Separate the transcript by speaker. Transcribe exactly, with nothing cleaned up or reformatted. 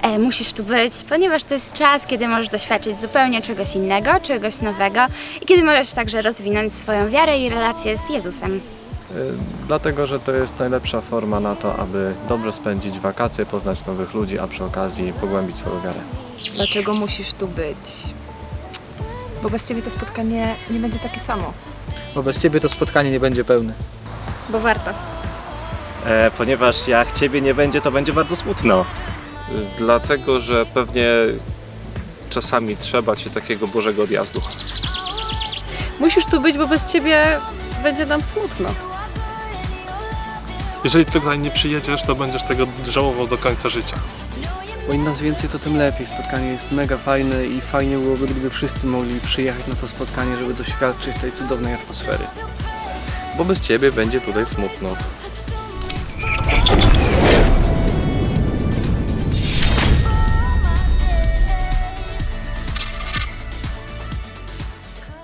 Speaker 1: e, musisz tu być, ponieważ to jest czas, kiedy możesz doświadczyć zupełnie czegoś innego, czegoś nowego i kiedy możesz także rozwinąć swoją wiarę i relację z Jezusem.
Speaker 2: Dlatego, że to jest najlepsza forma na to, aby dobrze spędzić wakacje, poznać nowych ludzi, a przy okazji pogłębić swoją wiarę.
Speaker 3: Dlaczego musisz tu być? Bo bez ciebie to spotkanie nie będzie takie samo.
Speaker 4: Bo bez ciebie to spotkanie nie będzie pełne.
Speaker 3: Bo warto.
Speaker 5: E, ponieważ jak ciebie nie będzie, to będzie bardzo smutno.
Speaker 6: Dlatego, że pewnie czasami trzeba ci takiego Bożego odjazdu.
Speaker 3: Musisz tu być, bo bez ciebie będzie nam smutno.
Speaker 7: Jeżeli tutaj nie przyjedziesz, to będziesz tego żałował do końca życia.
Speaker 4: Bo im nas więcej, to tym lepiej. Spotkanie jest mega fajne i fajnie byłoby, gdyby wszyscy mogli przyjechać na to spotkanie, żeby doświadczyć tej cudownej atmosfery.
Speaker 6: Bo bez ciebie będzie tutaj smutno.